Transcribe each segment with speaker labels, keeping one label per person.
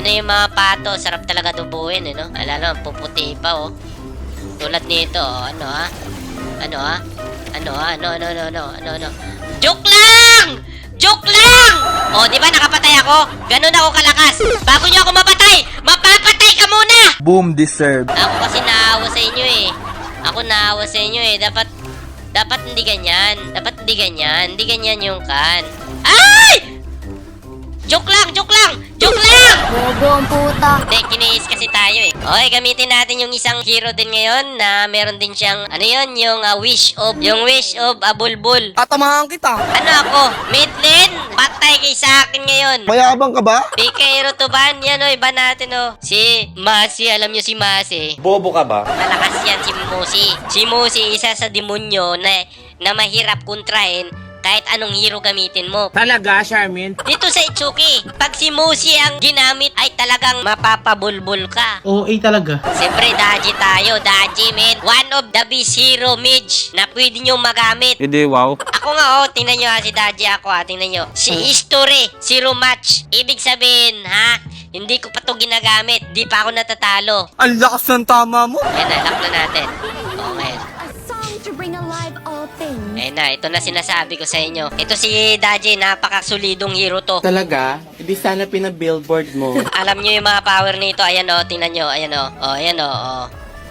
Speaker 1: Yan na yung mga pato. Sarap talaga dubuin, eh, no? Alala, puputi pa, oh. Tulad nito, oh. Ano, ha? Ano, ha? Ano, ha? Ano? Joke lang! Joke lang! Oh, di ba nakapatay ako? Ganun ako kalakas. Bago nyo ako mapatay, mapapatay ka muna!
Speaker 2: Boom deserve.
Speaker 1: Ako kasi naawa sa inyo, eh. Ako naawa sa inyo, eh. Dapat hindi ganyan. Dapat hindi ganyan. Hindi ganyan yung kan. Ay! Joke lang! Joke lang! Joke lang!
Speaker 3: Bobo ang puta.
Speaker 1: Hindi, kiniis kasi tayo eh. Okay, gamitin natin yung isang hero din ngayon na meron din siyang, ano yun, yung wish of Bulbul.
Speaker 4: Tatamahan kita.
Speaker 1: Ano ako? Mid lane? Patay kay sa akin ngayon.
Speaker 2: Mayabang ka ba?
Speaker 1: PK hero to ban. Yan o, iba natin o. Si Masi, alam nyo si Masi.
Speaker 5: Bobo ka ba?
Speaker 1: Malakas yan si Musi. Si Musi, isa sa demonyo na mahirap kontrahin kahit anong hero gamitin mo.
Speaker 4: Talaga, Charmin?
Speaker 1: Dito sa Itsuki, pag si Musi ang ginamit ay talagang mapapabulbul ka.
Speaker 4: OA talaga.
Speaker 1: Siyempre, Daji tayo. Daji, man. One of the best hero mage na pwede nyo magamit.
Speaker 5: Hindi, wow.
Speaker 1: Ako nga, oh. Tingnan nyo ha, si Daji ako ha. Tingnan nyo. Si history, zero match. Ibig sabihin, ha? Hindi ko pa to ginagamit. Di pa ako natatalo.
Speaker 4: Ang lakas ng tama mo.
Speaker 1: Ayan na, lock na natin. Okay.
Speaker 3: A song to bring alive all things.
Speaker 1: Ayun na, ito na sinasabi ko sa inyo. Ito si Daji, napakasolidong hero to.
Speaker 4: Talaga? Hindi sana pina-billboard mo.
Speaker 1: Alam nyo yung mga power nito. Ayan o, tingnan nyo. Ayan o. O, ayan o. O.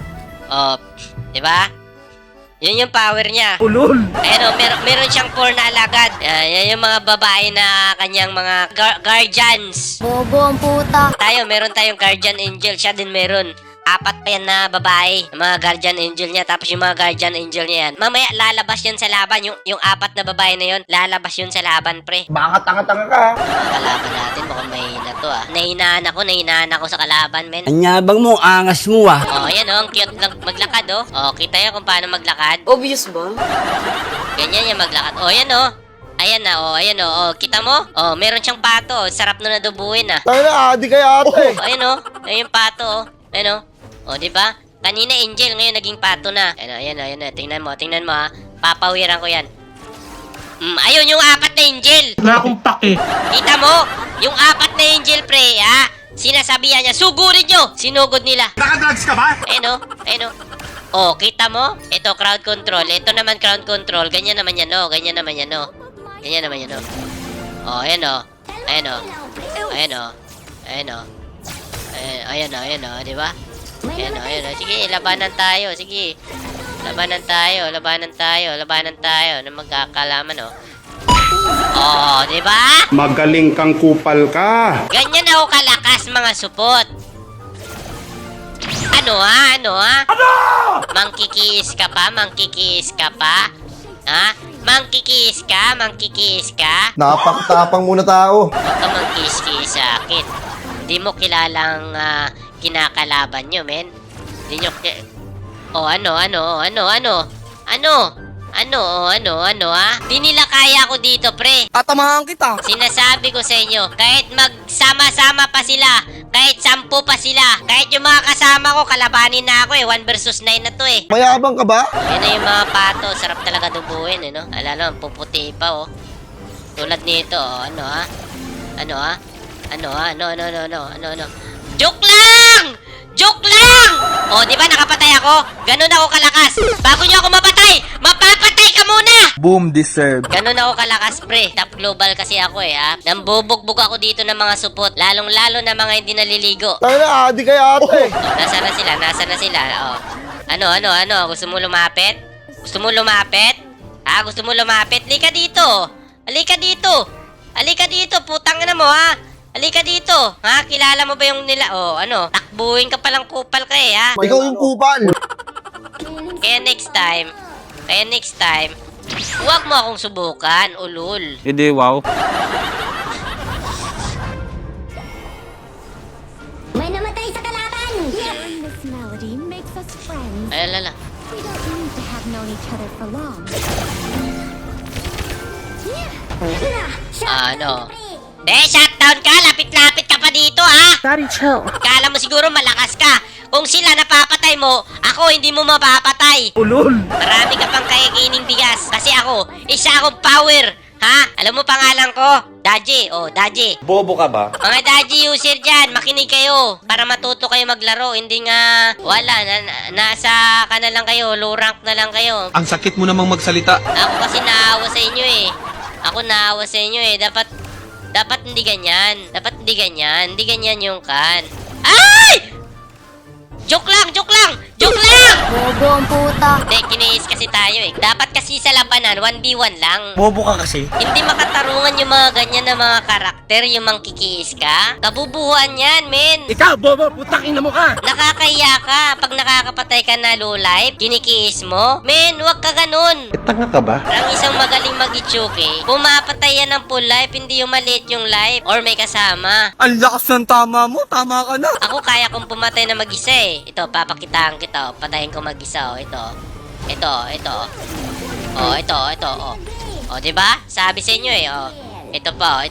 Speaker 1: O. Diba? Yun yung power niya.
Speaker 4: Ulol!
Speaker 1: Ayan o, meron siyang 4 na alagad. Yan yung mga babae na kanyang mga guardians.
Speaker 3: Bobo ang puta.
Speaker 1: Meron tayong guardian angel. Siya din meron. 4 pa yan na babae. Mga guardian angel niya. Tapos yung mga guardian angel niya yan. Mamaya lalabas yan sa laban. Yung 4 na babae na yun, lalabas yun sa laban, pre.
Speaker 2: Baka tanga-tanga ka.
Speaker 1: Kalaban natin, mukhang mahina to ah. Nahinaan ako sa kalaban, men.
Speaker 4: Anyabang mo, angas mo ah.
Speaker 1: Oh, ayan oh, ang cute lang maglakad oh. Oh, kita nyo kung paano maglakad.
Speaker 4: Obvious ba?
Speaker 1: Ganyan yung maglakad. Oh, ayan oh. Ayan na, oh, ayan oh. Oh, kita mo? Oh, meron siyang pato. Sarap na nadubuin ah.
Speaker 2: Tayo na, adi kaya ate.
Speaker 1: Oh, ayan oh. Ayan yung pato oh. Ayan oh. Oh, di ba? Kanina angel, ngayon naging pato na. Ayan oh. Tingnan mo ah. Papawiran ko yan. Ayun yung 4 na angel.
Speaker 4: Wala akong pake.
Speaker 1: Kita mo? Yung 4 na angel, pre, ha? Sinasabihan niya, sugurin nyo! Sinugod nila.
Speaker 4: Nakadrugs ka ba?
Speaker 1: Ayun o. Oh, kita mo? Ito, crowd control. Ito naman, crowd control. Ganyan naman yan, oh. Ganyan naman yan, oh. Oh, ayan o. Ayan o, di ba? Ayan o. Sige, labanan tayo. Sige. Labanan tayo. Na magkakalaman, oh. Oh, di ba?
Speaker 5: Magaling kang kupal ka.
Speaker 1: Ganyan ako kalakas, mga supot. Ano? Mangkikiis ka pa? Ha? Mangkikiis ka?
Speaker 2: Napakatapang muna tao.
Speaker 1: Huwag ka mangkiis-kiis sa akin. Hindi mo kilalang kinakalaban nyo, men. Hindi nyo Oh, ano, ha? Di nila kaya ako dito, pre.
Speaker 4: Tatamahan kita.
Speaker 1: Sinasabi ko sa inyo, kahit magsama-sama pa sila, kahit 10 pa sila, kahit yung mga kasama ko, kalabanin na ako 1 versus 9 na to
Speaker 2: Mayabang ka ba?
Speaker 1: Yan na yung mga pato, sarap talaga dubuin, no? Alala, puputi pa, oh. Tulad nito, oh. Ano? Joke lang! Joke lang! Oh, di ba nakapatay ako? Ganun ako kalakas. Bago nyo ako mapatay, mapapatay ka muna!
Speaker 2: Boom deserve.
Speaker 1: Ganun ako kalakas, pre. Top global kasi ako ha. Nambubugbog ako dito ng mga supot. Lalong-lalo na mga hindi naliligo.
Speaker 2: Tayo na, adi kaya ate.
Speaker 1: Nasaan na sila? Oh. Ano? Gusto mo lumapit? Gusto mo lumapit? Halika dito, putang na mo ha. Halika dito. Ha? Kilala mo ba yung nila? Oh, takbuhin ka palang kupal ka ha.
Speaker 2: Ikaw yung kupal.
Speaker 1: Kaya next time, huwag mo akong subukan, ulul.
Speaker 5: Hindi, wow.
Speaker 3: May namatay sa kalaban! Hearing this melody makes us friends.
Speaker 1: Ay, lala.
Speaker 3: We don't need to have known each other for long.
Speaker 1: Ano? Shutdown ka! Lapit-lapit ka pa dito, ha?
Speaker 4: Daddy, chill.
Speaker 1: Kala mo siguro malakas ka. Kung sila napapatay mo, ako hindi mo mapapatay.
Speaker 4: Ulol!
Speaker 1: Marami ka pang kakikining bigas. Kasi ako, isa akong power. Ha? Alam mo pangalan ko? Daji. Oh, Daji.
Speaker 5: Bobo ka ba?
Speaker 1: Mga Daji user dyan, makinig kayo. Para matuto kayo maglaro. Hindi nga, wala. Nasa ka na lang kayo. Low rank na lang kayo.
Speaker 6: Ang sakit mo namang magsalita.
Speaker 1: Ako kasi naawa sa inyo eh. Ako naawa sa inyo eh. Dapat hindi ganyan. Dapat hindi ganyan. Hindi ganyan yung kan. Ay! Joke lang! Joke lang! Joke lang!
Speaker 3: Bobo ang puta.
Speaker 1: Hindi, kiniis kasi tayo eh. Dapat kasi sa labanan, 1v1 lang.
Speaker 4: Bobo ka kasi.
Speaker 1: Hindi makatarungan yung mga ganyan na mga karakter, yung mangkikiis ka. Kabubuhan yan, men.
Speaker 4: Ikaw, bobo, putakin na mo ka.
Speaker 1: Nakakahiya ka. Pag nakakapatay ka na low life, kinikiis mo. Men, huwag ka ganun.
Speaker 5: Tanga ka ba?
Speaker 1: Ang isang magaling mag-itsuki, pumapatay yan ng full life, hindi yung maliit yung life or may kasama.
Speaker 4: Ang lakas ng tama mo, tama ka na.
Speaker 1: Ako kaya kong pumatay na mag-isa eh. Ito, papakitaan kita. Oh. Patayin ko mag-isa. Oh. Ito. Ito. Oh, ito. Oh. Oh, di ba? Sabi sa inyo eh. Oh. Ito pa.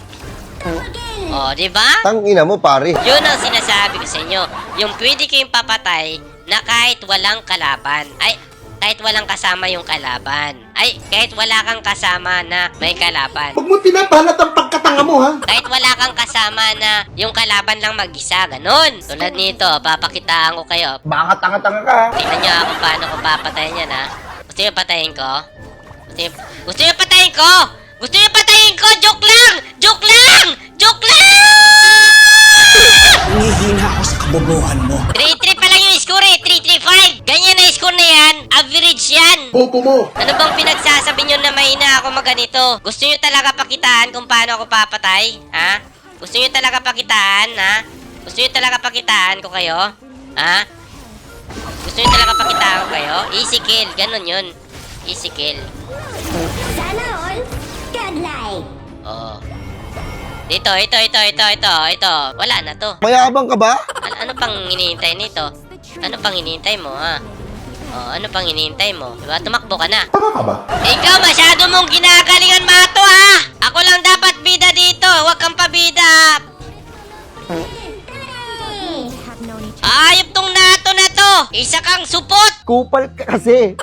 Speaker 1: Oh, di ba?
Speaker 2: Tangina mo, pare.
Speaker 1: Yun ang sinasabi ko sa inyo. Yung pwede kayong papatay na kahit walang kalaban. Ay, kahit walang kasama yung kalaban. Ay, kahit wala kang kasama na may kalaban.
Speaker 5: Huwag mo pinapalat ang pagkatanga mo, ha?
Speaker 1: Kahit wala kang kasama na yung kalaban lang mag-isa, ganun. Tulad nito, papakitaan ko kayo.
Speaker 2: Baka tanga-tanga ka.
Speaker 1: Tingnan nyo ako paano ko papatayin yan, ha? Gusto nyo patayin ko? Gusto nyo patayin ko? Gusto nyo patayin ko? Joke lang! Joke lang! Joke lang!
Speaker 4: Hihina ako sa kabobohan mo.
Speaker 1: 3-3 pa lang yung score eh. 3-3-5. Ganyan na score na yan. Average yan.
Speaker 5: Bobo mo!
Speaker 1: Ano bang pinagsasabi nyo na mahina ako maganito? Gusto nyo talaga pakitaan kung paano ako papatay? Ha? Gusto nyo talaga pakitaan, ha? Gusto nyo talaga pakitaan ko kayo? Ha? Gusto nyo talaga pakitaan ko kayo? Easy kill. Ganon yun. Easy kill.
Speaker 3: Sana all. Godlike.
Speaker 1: Oo. Dito, ito. Wala na to.
Speaker 2: Mayabang ka ba?
Speaker 1: Ano pang hinihintay nito? Ano pang hinihintay mo, ha? Oh, ano pang hinihintay mo? Diba? Tumakbo ka na.
Speaker 5: Tanga ka ba?
Speaker 1: Ikaw, masyado mong ginagalingan, Mato, ha? Ako lang dapat bida dito. Huwag kang pabida. Ayop tong Nato na to. Isa kang supot.
Speaker 2: Kupal ka kasi.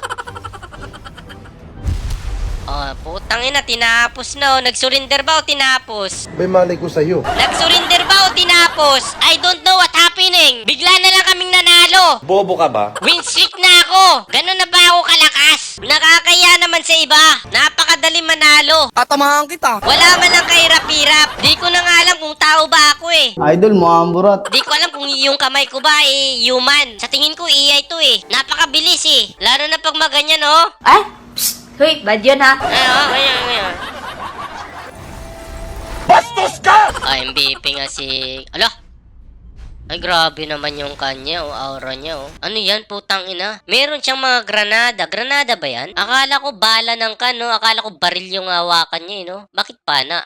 Speaker 1: Oh, putang ina, tinapos na, oh. Nag-surrender ba o tinapos?
Speaker 5: May malay ko sa'yo.
Speaker 1: Nag-surrender ba o tinapos? I don't know what happening. Bigla na lang kaming nanalo.
Speaker 5: Bobo ka ba?
Speaker 1: Win streak na ako. Ganun na ba ako kalakas? Nakakaya naman sa iba. Napakadali manalo.
Speaker 4: Tatamahan kita.
Speaker 1: Wala man lang kahirap-hirap. Di ko na nga alam kung tao ba ako eh.
Speaker 2: Idol mo, amburat.
Speaker 1: Di ko alam kung yung kamay ko ba eh, human. Sa tingin ko, AI to eh. Napakabilis eh. Lalo na pag maganyan, oh.
Speaker 7: Ay! Psst! Hoy, bad yun ha?
Speaker 1: Ganyan.
Speaker 5: Bastos ka!
Speaker 1: MVP nga si... Ala! Ay, grabe naman yung kanya, aura niya, Ano yan, putang ina? Meron siyang mga granada. Granada ba yan? Akala ko bala ng kan, no? Akala ko baril yung hawakan niya, no? Bakit pana?